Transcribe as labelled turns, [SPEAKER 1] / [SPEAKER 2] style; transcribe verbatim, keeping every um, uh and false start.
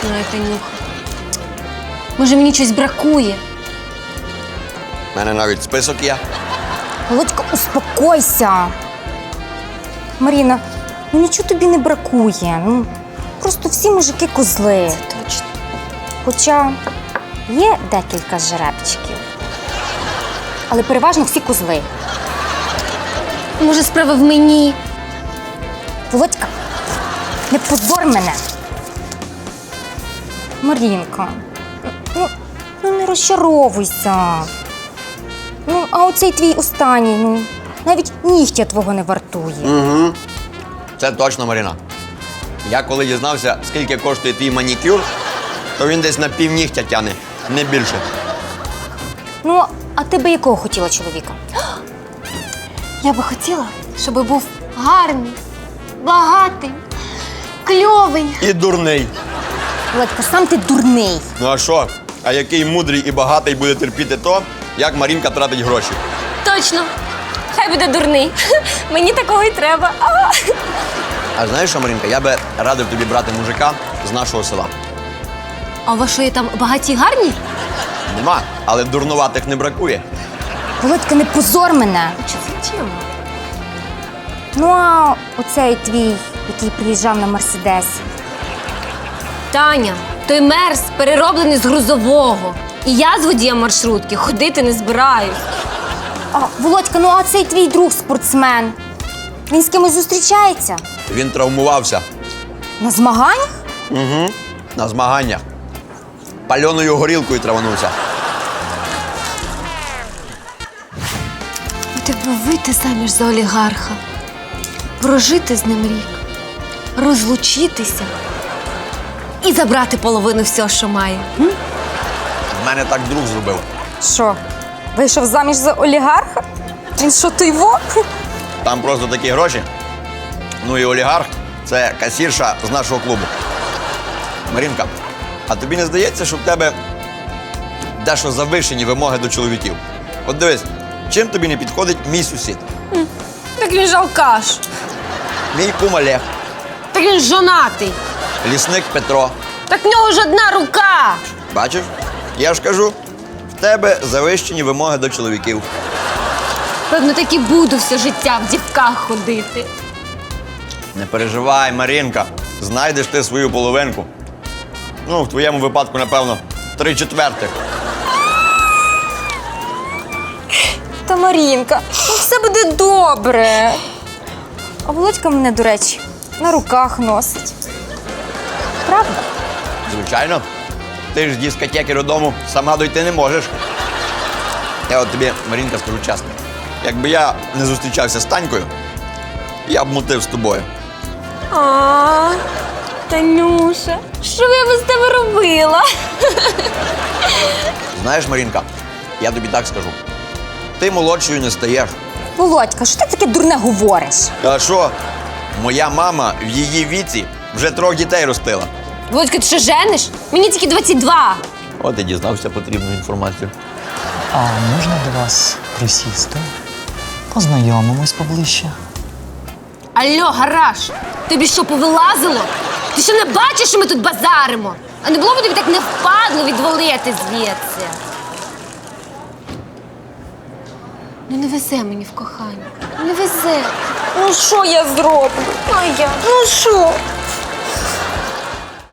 [SPEAKER 1] знаю, Танюха. Може, мені щось бракує?
[SPEAKER 2] У мене навіть список є.
[SPEAKER 3] Володька, успокойся. Маріна, ну нічого тобі не бракує. Ну, просто всі мужики козли.
[SPEAKER 1] Це точно.
[SPEAKER 3] Хоча є декілька жеребчиків. Але переважно всі козли.
[SPEAKER 1] Може, справа в мені?
[SPEAKER 3] Володька, не позор мене. Марінка, ну, ну не розчаровуйся. Ну, а оцей твій останній, ну, навіть нігтя твого не вартує.
[SPEAKER 2] Угу. Це точно, Маріна. Я коли дізнався, скільки коштує твій манікюр, то він десь на півнігтя тяне, не більше.
[SPEAKER 3] Ну, а ти би якого хотіла чоловіка?
[SPEAKER 1] Я би хотіла, щоб був гарний, багатий, кльовий.
[SPEAKER 2] І дурний.
[SPEAKER 3] Володька, сам ти дурний.
[SPEAKER 2] Ну а що? А який мудрий і багатий буде терпіти то, як Марінка тратить гроші?
[SPEAKER 1] Точно. Хай буде дурний. Мені такого й треба. А!
[SPEAKER 2] А знаєш що, Марінка, я би радив тобі брати мужика з нашого села.
[SPEAKER 1] А у вас що, є там багаті й гарні?
[SPEAKER 2] Нема, але дурнуватих не бракує.
[SPEAKER 3] Володька, не позор мене.
[SPEAKER 1] Чи це чим?
[SPEAKER 3] Ну, а оцей твій, який приїжджав на Мерседесі.
[SPEAKER 1] Таня, той мерз перероблений з грузового. І я з водієм маршрутки ходити не збираюсь.
[SPEAKER 3] А, Володька, ну а цей твій друг спортсмен. Він з кимось зустрічається?
[SPEAKER 2] Він травмувався.
[SPEAKER 3] На змаганнях?
[SPEAKER 2] Угу. На змаганнях. Пальоною горілкою траванувся.
[SPEAKER 1] У тебе вийти заміж за олігарха, прожити з ним рік, розлучитися і забрати половину всього, що має. М?
[SPEAKER 2] В мене так друг зробив.
[SPEAKER 3] Що, вийшов заміж за олігарха? Він що, той во?
[SPEAKER 2] Там просто такі гроші. Ну і олігарх – це касірша з нашого клубу. Марінка, а тобі не здається, що в тебе дещо завищені вимоги до чоловіків? От дивись, чим тобі не підходить мій сусід?
[SPEAKER 1] Так він ж алкаш.
[SPEAKER 2] Мій кум Олег,
[SPEAKER 1] Так він жонатий.
[SPEAKER 2] лісник Петро.
[SPEAKER 1] Так в нього ж одна рука.
[SPEAKER 2] Бачиш? Я ж кажу, в тебе завищені вимоги до чоловіків.
[SPEAKER 1] Певно, так і буду все життя в дівках ходити.
[SPEAKER 2] Не переживай, Марінка, знайдеш ти свою половинку. Ну, в твоєму випадку, напевно, три четвертих.
[SPEAKER 3] Та Марінка, ну все буде добре. А Володька мене, до речі, на руках носить. Правда?
[SPEAKER 2] Звичайно. Ти ж з дискотеки додому сама дойти не можеш. Я от тобі, Марінка, скажу чесно. Якби я не зустрічався з Танькою, я б мутив з тобою.
[SPEAKER 1] А, Танюша, що б я без тебе робила?
[SPEAKER 2] Знаєш, Марінка, я тобі так скажу. Ти молодшою не стаєш.
[SPEAKER 3] Володька, що ти таке дурне говориш?
[SPEAKER 2] А що? Моя мама в її віці вже трьох дітей ростила.
[SPEAKER 1] Володька, ти що, жениш? Мені тільки двадцять два.
[SPEAKER 2] От і дізнався потрібну інформацію.
[SPEAKER 4] А можна до вас присісти? Познайомимось поближче.
[SPEAKER 1] Алло, гараж, тобі що, повилазило? Ти що не бачиш, що ми тут базаримо? А не було б тобі так не впадло відвалити звідси? Ну не везе мені в кохання, не везе.
[SPEAKER 3] Ну що я зроблю?
[SPEAKER 1] А я?
[SPEAKER 3] Ну що?